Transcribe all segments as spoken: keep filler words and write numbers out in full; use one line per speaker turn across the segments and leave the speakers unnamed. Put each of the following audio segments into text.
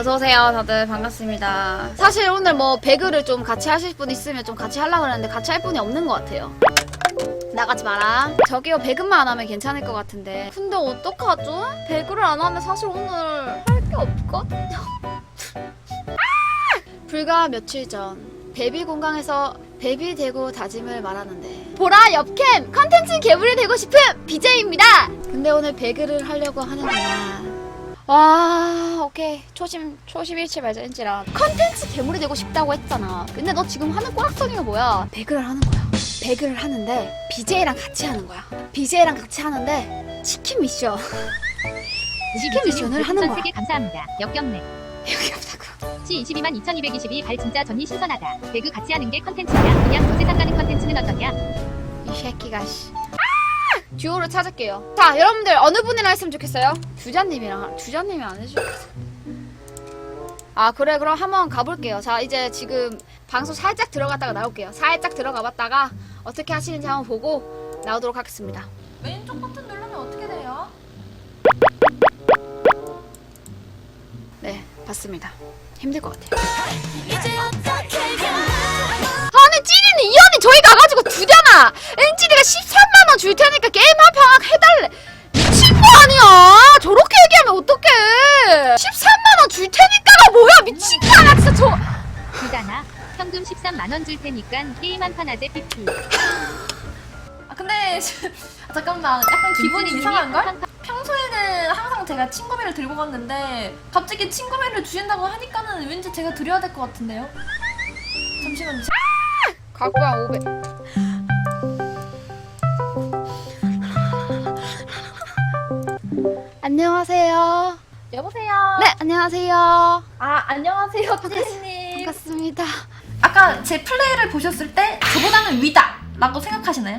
어서오세요. 다들 반갑습니다. 사실 오늘 뭐 배그를 좀 같이 하실 분 있으면 좀 같이 하려고 했는데 같이 할 분이 없는 것 같아요. 나가지 마라. 저기요, 배그만 안 하면 괜찮을 것 같은데. 근데 어떡하죠? 배그를 안 하면 사실 오늘 할 게 없거든요. 아! 불과 며칠 전 베비 공강에서 베비 되고 다짐을 말하는데, 보라 옆캠 컨텐츠 괴물이 되고 싶은 비제이입니다. 근데 오늘 배그를 하려고 하는구나. 와, 오케이. 초심, 초심 잃지 말자, 엔지라. 컨텐츠 괴물이 되고 싶다고 했잖아. 근데 너 지금 하는 꼬락서니가 뭐야? 배그를 하는 거야. 배그를 하는데 비제이랑 같이 하는 거야. 비제이랑 같이 하는데 치킨 미션. 치킨 미션을 하는 거야.
세개 감사합니다. 역겹네.
여기 없다고.
치 이십이만 이천이백이십이 발 진짜 전이 신선하다. 배그 같이 하는 게 컨텐츠냐? 그냥 저 세상 가는 컨텐츠는 어떠냐?
이 새끼가 씨. 아! 듀오를 찾을게요. 자, 여러분들 어느 분이랑 했으면 좋겠어요? 주자님이랑. 주자님이 안 해주겠어. 아, 그래. 그럼 한번 가볼게요. 자, 이제 지금 방송 살짝 들어갔다가 나올게요. 살짝 들어가봤다가 어떻게 하시는지 한번 보고 나오도록 하겠습니다.
왼쪽 버튼 누르면 어떻게 돼요?
네, 봤습니다. 힘들 것 같아요. 아니, 찌리는 이 언니 저희 가가지고 두잖아. 엔지리가 십삼만 원 줄 테니까 게임 한 판 해달래. 미친 거 아니야? 저렇게 얘기하면 어떡해? 십삼만 원 줄 테니까가 뭐야? 미친 거 아니야? 진짜 저.
주잖아. 현금 십삼만 원 줄 테니까 게임 한 판 하재 피피.
아 근데 아, 잠깐만 약간 기분이 이상한걸? 평소에는 항상 제가 친구비를 들고 갔는데 갑자기 친구비를 주신다고 하니까는 왠지 제가 드려야 될 것 같은데요? 잠시만요.
갖고 와 오백. 안녕하세요.
여보세요?
네, 안녕하세요.
아 안녕하세요 찌리님.
반갑습니다.
아까 제 플레이를 보셨을 때 저보다는 위다 라고 생각하시나요?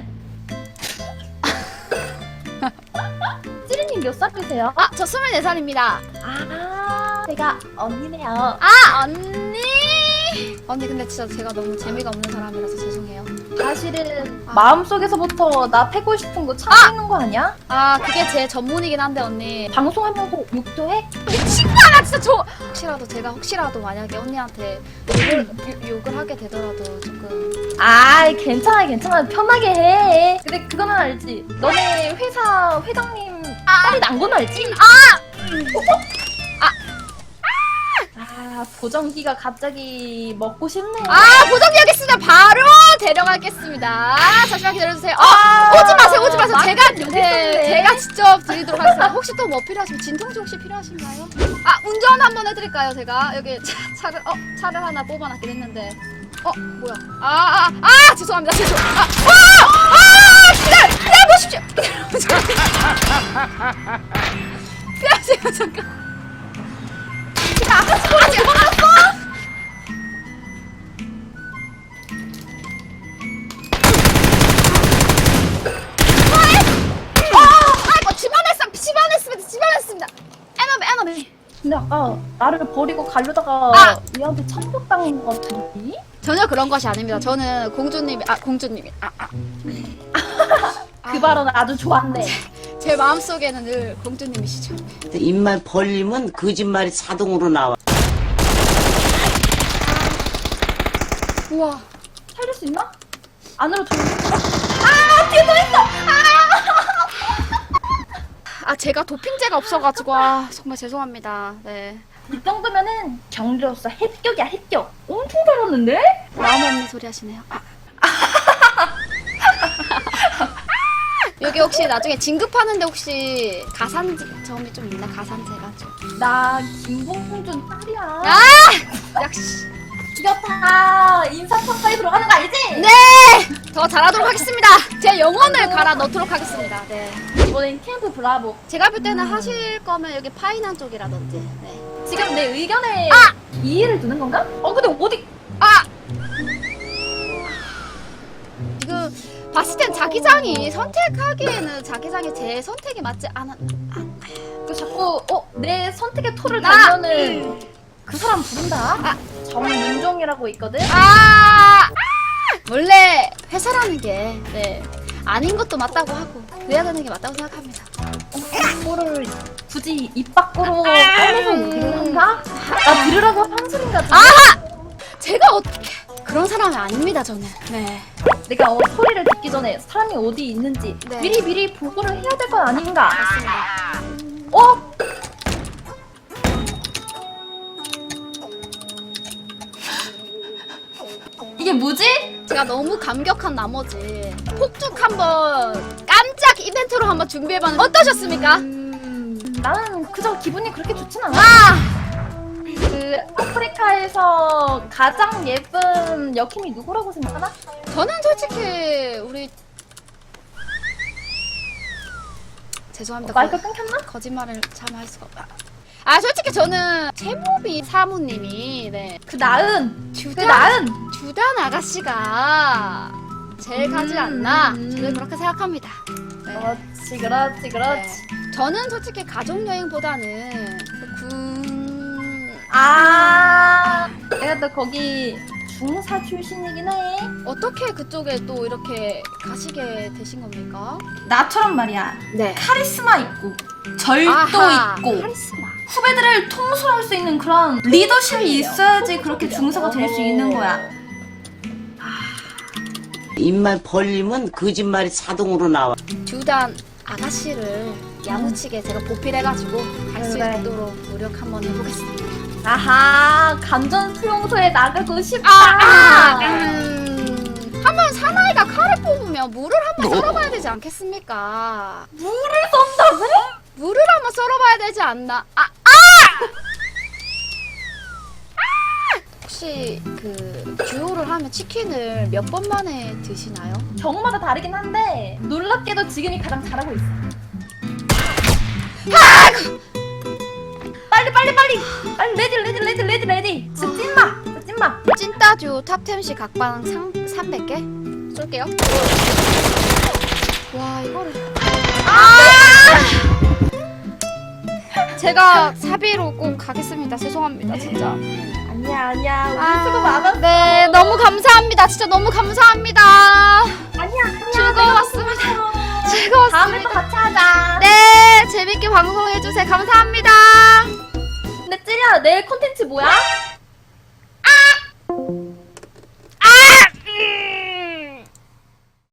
찌리님 몇 살이세요?
아, 저 스물네 살입니다.
아 제가 언니네요.
아, 언니. 언니, 근데 진짜 제가 너무 재미가 없는 사람이라서 죄송해요.
사실은
아.
마음속에서부터 나 패고 싶은 거 참고 있는 거 아니야?
아, 그게 제 전문이긴 한데 언니.
방송하면서 욕도 해?
미친 거 아니야, 진짜 저. 혹시라도 제가 혹시라도 만약에 언니한테 욕을, 유- 욕을 하게 되더라도 조금.
아 괜찮아 괜찮아 편하게 해. 근데 그거는 알지? 너네 회사 회장님 딸이 난 건 알지?
아!
아 보정기가 갑자기 먹고 싶네.
아, 보정기 하겠습니다. 바로 데려가겠습니다. 잠시만 기다려주세요. 어,
아,
오지 마세요, 오지 마세요.
나
제가,
여기
네,
있었네.
제가 직접 드리도록 하겠습니다. 혹시 또 뭐 필요하시면, 진통제 혹시 필요하신가요? 아, 운전 한번 해드릴까요, 제가? 여기 차, 차를, 어, 차를 하나 뽑아놨긴 했는데. 어, 뭐야. 아, 아, 아, 죄송합니다. 죄송. 아, 아, 아, 기다려, 기다려보십시오. 기다려보십시오. 기다려보세요, 잠깐. 제가 아까 스포하지 않았어? 아, 집안했습니다. 집안했습니다. 집안했습니다. 에너미, 에너미.
근데 아까 나를 버리고 가려다가
아!
얘한테 참격당한 거 같은데?
전혀 그런 것이 아닙니다. 저는 공주님이, 아, 공주님이, 아, 아.
그 발언 아주 좋았네.
제 마음속에는 늘 공주님이시죠.
입만 벌리면 거짓말이 자동으로 나와.
우와.
살릴 수 있나? 안으로 들어올까? 아 뒤에 또 있어!
아, 제가 도핑제가 없어가지고, 아, 정말 죄송합니다. 네.
이 정도면은 경리로서 합격이야 합격. 엄청 잘했는데?
마음 없는 소리 하시네요. 아. 여기 혹시 나중에 진급하는데 혹시 가산점이 좀 있나? 가산제가 좀.
나 김봉준 딸이야.
아! 역시.
죽였다. 인사평가에 들어가는 거 알지?
네! 더 잘하도록 하겠습니다. 제 영혼을 갈아 넣도록 하겠습니다. 네.
이번엔 캠프 브라보.
제가 볼 때는 하실 거면 여기 파이난 쪽이라든지. 네.
지금 내 의견에
아!
이의를 두는 건가? 어 근데 어디?
아! 지금 봤을 땐 자기장이 선택하기에는 자기장이 제 선택이 맞지 않아. 아,
그 자꾸 어 내 선택의 토를
나!
달면은 그 사람 부른다.
아.
정윤종이라고 있거든.
아! 원래 회사라는 게 네. 아닌 것도 맞다고 하고 그래야 되는 게 맞다고 생각합니다.
이거를 굳이 입 밖으로 꺼내서 얘기를 한다? 나 들으라고 한 소린가 좀.
제가 어떻게 그런 사람이 아닙니다 저는. 네.
내가 어, 소리를 듣기 전에 사람이 어디 있는지
네.
미리 미리 보고를 해야 될 건 아닌가?
맞습니다.
어? 이게 뭐지?
제가 너무 감격한 나머지 폭죽 한번 깜짝 이벤트로 한번 준비해봤는데 어떠셨습니까?
음, 나는 그저 기분이 그렇게 좋진 않아.
아!
그 아프리카에서 가장 예쁜 여킴이 누구라고 생각하나?
저는 솔직히 우리 죄송합니다.
마이크
거,
끊겼나?
거짓말을 참 할 수가 없다. 아 솔직히 저는 채모비 사모님이 네
그 나은! 그
주단
나은!
주단 아가씨가 제일 가지
음,
않나
음.
저는 그렇게 생각합니다. 네.
그렇지 그렇지 그렇지.
네. 저는 솔직히 가족 여행보다는 군
아 내가 또 거기 중사 출신이긴 해.
어떻게 그쪽에 또 이렇게 가시게 되신 겁니까?
나처럼 말이야
네.
카리스마 있고 절도
아하,
있고
카리스마.
후배들을 통솔할 수 있는 그런 리더십이 있어야지 그렇게 중사가 될 수 있는 거야.
입만 벌리면 거짓말이 자동으로 나와.
주단 아가씨를 야무치게 제가 보필해가지고 갈 수
그래.
있도록 노력 한번 해보겠습니다.
아하 감전 수용소에 나가고 싶다.
아, 음, 한번 사나이가 칼을 뽑으면 물을 한번 썰어봐야 되지 않겠습니까?
물을 쏜다고?
물을 한번 썰어봐야 되지 않나? 아, 아! 아! 혹시 그 듀오를 하면 치킨을 몇 번 만에 드시나요?
경우마다 다르긴 한데 놀랍게도 지금이 가장 잘하고 있어. 빨리 빨리 빨리 빨리 레디 레디 레디 레디 레디. 진짜 찐마 진짜 찐마.
찐따 듀오 탑텐시 각방 삼백 개 쏠게요. 와 이거를 아! 제가 사비로 꼭 가겠습니다. 죄송합니다 진짜.
아니야 아니야 우리
아,
수고 많았어.
네 너무 감사합니다. 진짜 너무 감사합니다.
아니야 아니야
즐거웠습니다.
다음에 또
즐거웠습니다.
같이 하자.
네 재밌게 방송해주세요. 감사합니다.
근데 찌리야 내일 컨텐츠 뭐야?